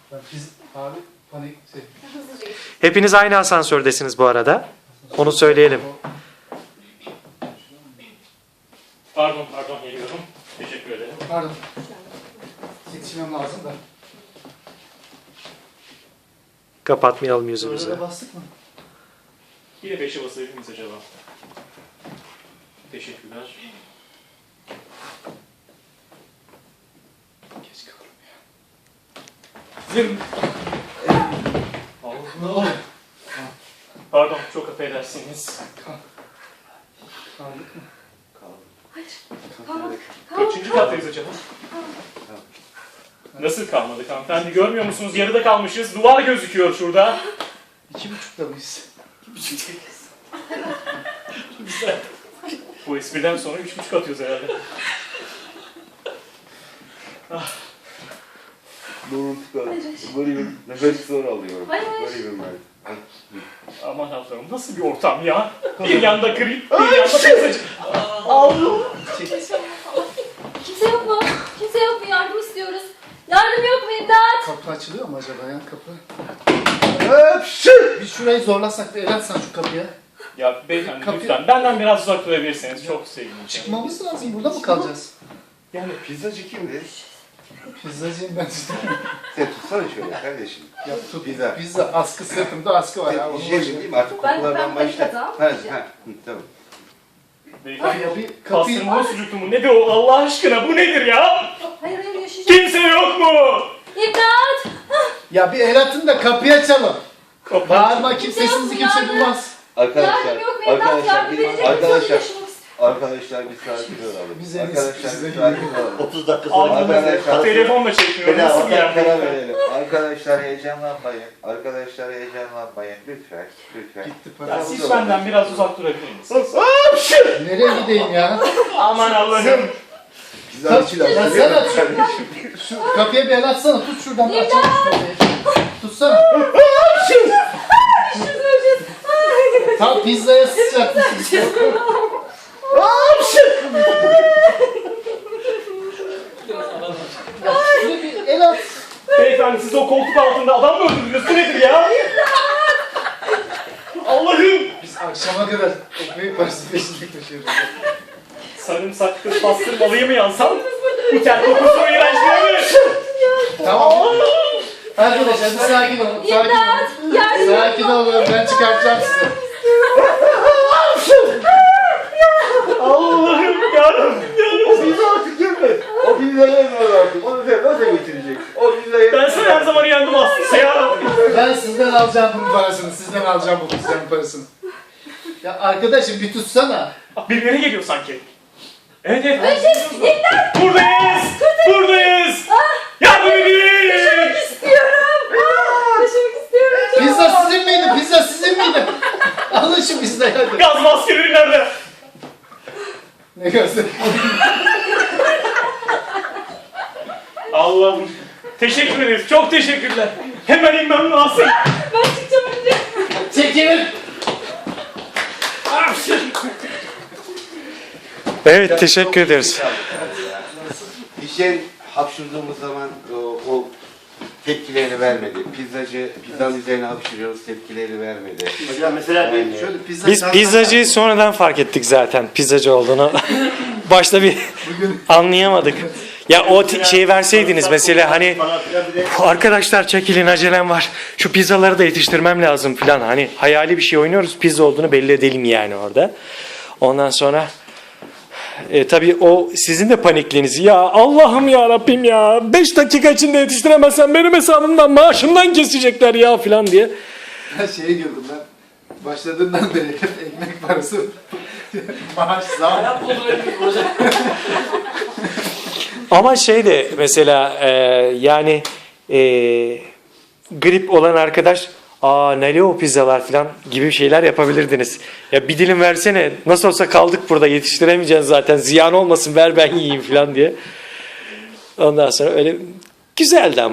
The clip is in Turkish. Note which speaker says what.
Speaker 1: Abi panik şey.
Speaker 2: Hepiniz aynı asansördesiniz bu arada. Onu söyleyelim.
Speaker 3: Pardon geliyorum. Teşekkür ederim.
Speaker 1: Pardon. Yetişmem lazım da.
Speaker 2: Kapatmayalım yüzümüzü.
Speaker 1: Burada bastık mı?
Speaker 3: Yine 5'e basabilir miyiz acaba? Teşekkürler.
Speaker 1: Geç kaldım ya.
Speaker 3: Zim. Allah. Pardon, çok affedersiniz.
Speaker 1: Kaldık mı?
Speaker 4: Kalmadık.
Speaker 3: Kaçıncı kattayız acaba? Nasıl kalmadık hanımefendi? Görmüyor musunuz? Yarıda kalmışız. Duvar gözüküyor şurada.
Speaker 1: 2,5'da mıyız?
Speaker 3: 2,5'tayız. Güzel. Bu espriden sonra 3,5 atıyoruz herhalde.
Speaker 5: Burun tıkalı. Varıyorum. Nefes zor alıyorum.
Speaker 4: Hayır.
Speaker 5: Varıyorum ben.
Speaker 3: Aman Allah'ım, nasıl bir ortam ya? Bir yanda grip, bir yanda pizzacı. Allah!
Speaker 4: Kimse yok mu? Kimse yok mu? Yardım istiyoruz. Yardım yok mu? İmdat!
Speaker 1: Kapı açılıyor mu acaba ya kapı?
Speaker 5: Öpşü!
Speaker 1: Bir şurayı zorlasak bir el atsan şu kapıya.
Speaker 3: Ya beyefendi
Speaker 1: Kapıyı-
Speaker 3: lütfen benden biraz uzak durabilirseniz çok sevinirim.
Speaker 1: Çıkmamız lazım. Burada mı kalacağız?
Speaker 5: Yani pizzacı kimdi?
Speaker 1: Pizzacıyım ben işte.
Speaker 5: Sen tutsana şöyle kardeşim.
Speaker 1: Ya tut.
Speaker 5: Pizza.
Speaker 1: Pizza askı sırtımda askı var ya.
Speaker 5: Hijyen değil mi? Artık
Speaker 4: Ben
Speaker 5: kokulardan
Speaker 4: panik
Speaker 5: başla.
Speaker 4: atağım.
Speaker 5: Ha, tamam.
Speaker 3: Beyefendi
Speaker 1: Ya bir kapıyı...
Speaker 3: pastırma sucuklu mu? Nedir o Allah aşkına? Bu nedir ya?
Speaker 4: Hayır yaşayacağım.
Speaker 3: Kimse yok mu?
Speaker 4: İmdat!
Speaker 1: Ya bir el atın da kapıyı açalım.
Speaker 3: Kapı.
Speaker 1: Bağırma kimsesinizi kimse
Speaker 4: Yardım.
Speaker 1: bulmaz.
Speaker 5: Arkadaşlar,
Speaker 4: Yardım yok mu? İmdat!
Speaker 5: arkadaşlar,
Speaker 4: Yardım
Speaker 5: bir,
Speaker 4: edecek
Speaker 5: arkadaşlar,
Speaker 4: yaşamak istiyorum.
Speaker 5: arkadaşlar bir sakin olalım.
Speaker 1: Biz en iyisi
Speaker 5: Arkadaşlar
Speaker 1: bize
Speaker 5: bir sakin olalım.
Speaker 6: 30 dakika sonra
Speaker 5: Arkadaşlar,
Speaker 3: Telefonla çekmiyor.
Speaker 5: beni
Speaker 3: Nasıl bir
Speaker 5: ortak karar
Speaker 3: yer?
Speaker 5: verelim. Arkadaşlar heyecanlanmayın. Arkadaşlar heyecanlanmayın. Lütfen, lütfen.
Speaker 1: Gitti
Speaker 3: Ya
Speaker 1: para.
Speaker 3: siz benden biraz uzak durabilir misiniz?
Speaker 1: Nereye gideyim ya?
Speaker 3: Aman Allah'ım.
Speaker 5: Pizza için
Speaker 1: Ya
Speaker 5: alın.
Speaker 1: sen aç. Şu kapıya bir el atsana. Tut şuradan. Açalım şu kapıyı. Tutsana. Tam pizzaya sıçratmışsın. Ya şuraya bir el at.
Speaker 3: Beyefendi siz o koltuk altında adam mı öldürdünüz? Bu nedir ya? Allah'ım.
Speaker 1: Biz akşama kadar ekmeği parası peşinde koşuyoruz.
Speaker 3: Sarımsaklı pastırmalıyı mı yansam? Bu ter kokusu iğrençliği mi?
Speaker 1: Tamam. Arkadaşlar bir sakin olun. Sakin
Speaker 4: İmdat!
Speaker 1: olun.
Speaker 4: Yardım yok
Speaker 1: Sakin
Speaker 4: mu?
Speaker 1: olun. Ben çıkartacağım sizi.
Speaker 3: Allah'ım yarabbim.
Speaker 5: O pizza artık gelme. O pizzayı yemiyor artık. Onu sen nasıl getirecek? O pizzayı
Speaker 3: Ben sana her zaman yendim aslında ya.
Speaker 1: Ben sizden alacağım bunun parasını. Sizden alacağım bu pizzanın parasını. Ya arkadaşım bir tutsana.
Speaker 3: Birileri geliyor sanki. Evet. Buradayız. Buradayız. Yardım edin.
Speaker 4: İstiyorum. Yaşamak istiyorum.
Speaker 1: Pizza sizin miydi? Pizza sizin miydi? Alın şu pizzayı hadi.
Speaker 3: Gaz maskeleri nerede?
Speaker 1: Ne göster?
Speaker 3: Allah'ım. Teşekkür ederiz. Çok teşekkürler. Hemen inmem lazım.
Speaker 4: Ben çıkacağım önce.
Speaker 1: Çekilin.
Speaker 2: Evet, teşekkür ederiz.
Speaker 5: Hijyen hapşırdığımız zaman o tepkileri vermedi. Pizzanın üzerine hapşırıyoruz, tepkileri vermedi.
Speaker 6: Hocam mesela bir
Speaker 5: Yani-
Speaker 1: Şöyle pizza
Speaker 2: Biz pizzacıyı sonradan fark ettik zaten. Pizzacı olduğunu. Başta bir anlayamadık. Ya o şeyi verseydiniz mesela hani
Speaker 6: falan filan bir de
Speaker 2: arkadaşlar çekilin acelem var. Şu pizzaları da yetiştirmem lazım falan. Hani hayali bir şey oynuyoruz. Pizza olduğunu belli edelim yani orada. Ondan sonra tabii o sizin de panikliğiniz. Ya Allah'ım ya Rabbim ya. 5 dakika içinde yetiştiremezsem benim hesabımdan maaşımdan kesecekler ya falan diye.
Speaker 1: Ben şeye girdim ben. Başladığından beri hep ekmek parası. Maaş zam.
Speaker 2: Ama şey de mesela yani grip olan arkadaş nereye o pizzalar falan gibi şeyler yapabilirdiniz. Ya bir dilim versene, nasıl olsa kaldık burada, yetiştiremeyeceğiz zaten, ziyan olmasın, ver ben yiyeyim falan diye. Ondan sonra öyle güzeldi ama.